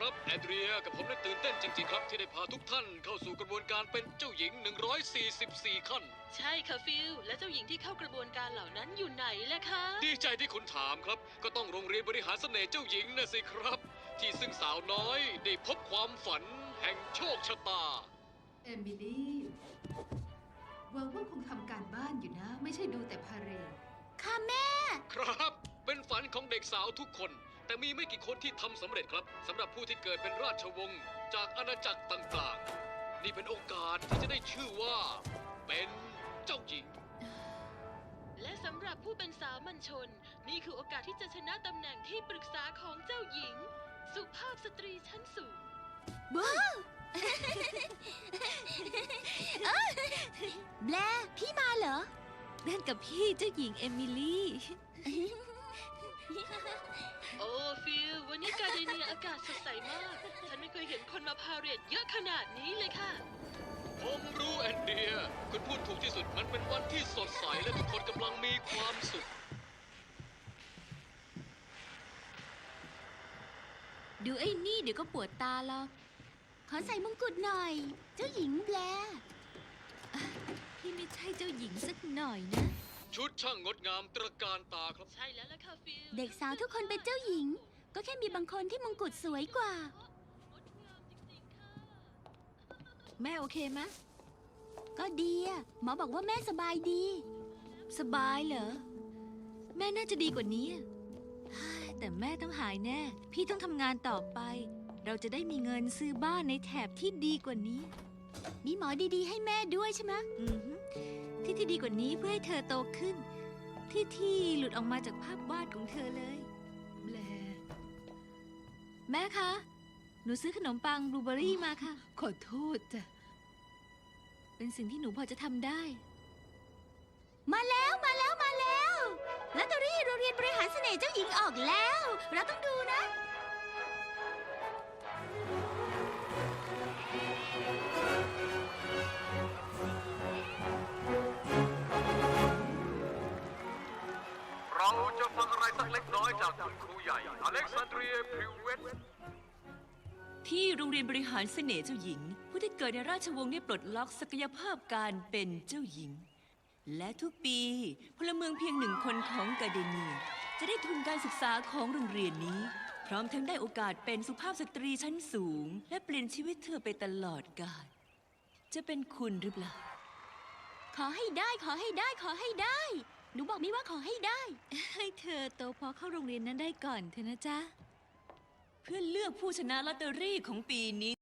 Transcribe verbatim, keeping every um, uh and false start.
ครับแอนเดรียกับผมได้ตื่นเต้นจริงๆครับที่ได้พาทุกท่านเข้าสู่กระบวนการเป็นเจ้าหญิงหนึ่งร้อยสี่สิบสี่ขั้นใช่ค่ะฟิลและเจ้าหญิงที่เข้ากระบวนการเหล่านั้นอยู่ไหนล่ะคะดีใจที่คุณถามครับก็ต้องโรงเรียนบริหารเสน่ห์เจ้าหญิงนะสิครับที่ซึ่งสาวน้อยได้พบความฝันแห่งโชคชะตาเอมิลี่หวังว่าคงทำการบ้านอยู่นะไม่ใช่ดูแต่พาเหรดค่ะแม่ครับเป็นฝันของเด็กสาวทุกคนแต่มีไม่กี่คนที่ทำสำเร็จครับสำหรับผู้ที่เกิดเป็นราชวงศ์จากอาณาจักรต่างๆนี่เป็นโอกาสที่จะได้ชื่อว่าเป็นเจ้าหญิงและสำหรับผู้เป็นสามัญชนนี่คือโอกาสที่จะชนะตำแหน่งที่ปรึกษาของเจ้าหญิงสุภาพสตรีชั้นสูงว้าวแบลพี่มาเหรอนั่นกับพี่เจ้าหญิงเอมิลี่โอ้ฟิลวันนี้การเดเนียอากาศสดใสมากฉันไม่เคยเห็นคนมาพาเหรดเยอะขนาดนี้เลยค่ะผมรู้แอนเดียคุณพูดถูกที่สุดมันเป็นวันที่สดใสและทุกคนกำลังมีความสุขดูไอ้นี่เดี๋ยวก็ปวดตาหรอกขอใส่มงกุฎหน่อย เจ้าหญิงแบลพี่ไม่ใช่เจ้าหญิงสักหน่อยนะชุดช่างงดงามตระการตาครับใช่แล้วล่ะค่ะฟิลเด็กสาวทุกคนเป็นเจ้าหญิงก็แค่มีบางคนที่มงกุฎสวยกว่าแม่โอเคไหมก็ดีอะหมอบอกว่าแม่สบายดีสบายเหรอแม่น่าจะดีกว่านี้แต่แม่ต้องหายแน่พี่ต้องทำงานต่อไปเราจะได้มีเงินซื้อบ้านในแถบที่ดีกว่านี้มีหมอดีๆให้แม่ด้วยใช่ไหมอือที่ที่ดีกว่านี้เพื่อให้เธอโตขึ้นที่ที่หลุดออกมาจากภาพวาดของเธอเลยแบลแม่คะหนูซื้อขนมปังบลูเบอรี่มาค่ะขอโทษจ้ะเป็นสิ่งที่หนูพอจะทำได้มาแล้วมาแล้วมาแล้วลอตเตอรี่โรงเรียนบริหารเสน่ห์เจ้าหญิงออกแล้วเราต้องดูนะเราจะฟังอะไรสักเล็กน้อยจากคุณครูใหญ่อเล็กซานเดรียพริวเวตที่โรงเรียนบริหารเสน่ห์เจ้าหญิงผู้ที่เกิดในราชวงศ์ได้ปลดล็อกศักยภาพการเป็นเจ้าหญิงและทุกปีพลเมืองเพียงหนึ่งคนของกาเดเนียจะได้ทุนการศึกษาของโรงเรียนนี้พร้อมทั้งได้โอกาสเป็นสุภาพสตรีชั้นสูงและเปลี่ยนชีวิตเธอไปตลอดกาลจะเป็นคุณหรือเปล่าขอให้ได้ขอให้ได้ขอให้ได้หนูบอกมิว่าขอให้ได้ให้เธอโตพอเข้าโรงเรียนนั้นได้ก่อนเถอะนะจ๊ะเพื่อเลือกผู้ชนะลอตเตอรี่ของปีนี้